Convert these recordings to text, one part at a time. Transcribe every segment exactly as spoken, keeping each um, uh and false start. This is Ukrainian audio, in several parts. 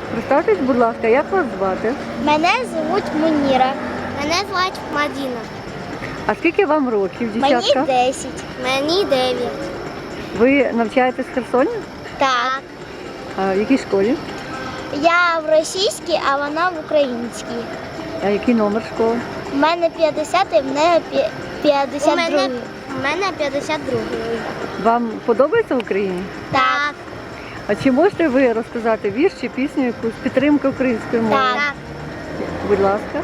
Представтесь, будь ласка, як вас звати? Мене звуть Муніра. Мене звуть Мадіна. А скільки вам років, дівчатка? Мені десять. Мені дев'ять. Ви навчаєтесь в Херсоні? Так. А в якій школі? Я в російській, а вона в українській. А який номер школи? У мене п'ятдесят, і в неї п'ятдесят два. У мене п'ятдесят два. Вам подобається в Україні? Так. А чи можете ви розказати вірш чи пісню якусь підтримки української мови? Так. Будь ласка.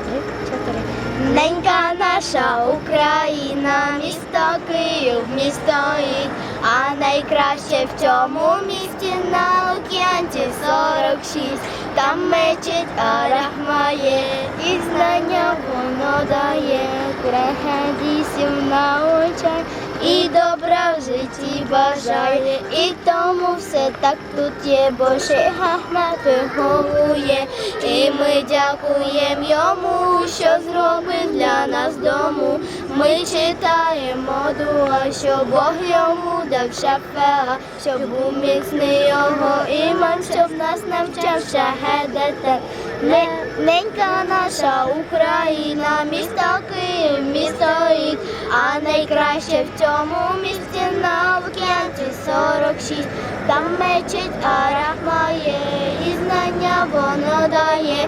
Ненька наша Україна, місто Київ, місто Іль, а найкраще в цьому місті на Лук'янці сорок шість. Там мечеть Арахмає, і знання воно дає, хадісів научає, і добра в житті бажає. І тому все так тут є, бо шейх Ахмед виховує. І ми дякуємо йому, що зробив для нас дому. Ми читаємо дуа, що Бог йому дав шафеа, щоб був міцний його іман, щоб нас навчав шахедете. Ненька наша Україна, місто Київ, місто Іль, а найкраще в цьому місті на Лук'янці сорок шість. Там мечеть Арахмає, і знання воно дає,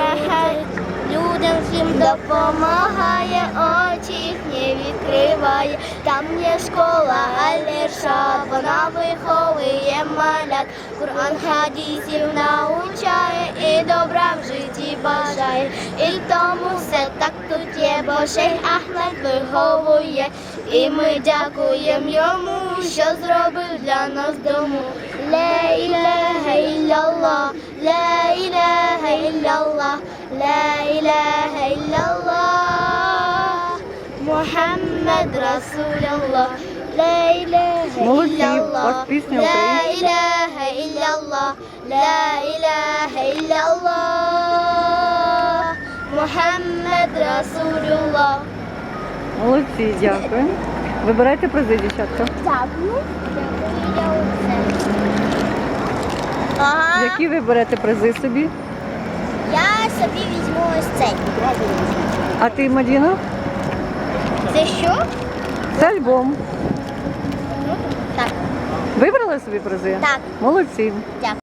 людям всім допомагає, очі їхні відкриває. Там є школа Аль-Іршад, вона виховує малят, Кур'ан хадісів научає, і добра в житті бажає. І тому все так тут є, бо шейх Ахмед виховує. І ми дякуємо йому, що зробив для нас дому. Ла ілляха ілляллах, ла ілляха ілляллах, ла ілляха ілляллах, Мухаммад Расуляллах, ла ілляха Молодці, у ілляллах, вас пісня ла українська. ілляха ілляллах, ла ілляха ілляллах, Мухаммад Расуляллах. Молодці, дякую. Вибирайте призи, дівчатка. Дякую. Ага. Які ви берете призи собі? Я собі візьму ось цей. А ти, Мадіна? Це що? Це альбом. Так. Вибрали собі призи? Так. Молодці. Дякую.